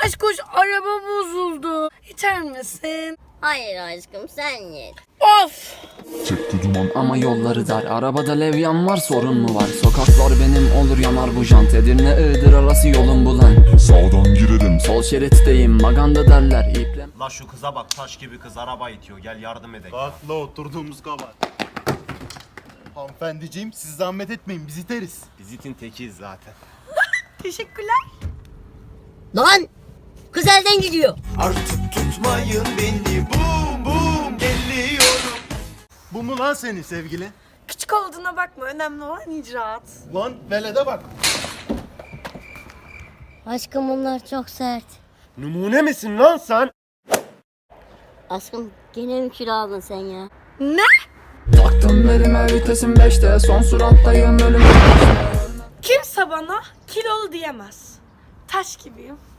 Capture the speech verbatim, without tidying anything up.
Aşkoş araba bozuldu. İçer misin? Hayır aşkım sen ye. Of! Çıktı duman ama yolları dar. Arabada levyan var, sorun mu var? Sokaklar benim olur yanar bu jant. Edirne Iğdır arası yolum bulan. Sağdan girerim, sol şeritteyim, maganda derler iple. La şu kıza bak, taş gibi kız araba itiyor, gel yardım edelim. Bak la oturduğumuz kabahat. Hanımefendiciğim siz zahmet etmeyin biz iteriz. Biz itin tekiyiz zaten. Teşekkürler. Lan! Kız elden gidiyor. Artık tutmayın beni, bum bum geliyorum. Bu mu lan senin sevgili? Küçük olduğuna bakma. Önemli olan icraat. Lan velede bak. Aşkım bunlar çok sert. Numune misin lan sen? Aşkım gene mi kilo aldın sen ya? Ne? Taktım elime vitesim beşte, son surattayım ölüm. Kimse bana kilolu diyemez. Taş gibiyim.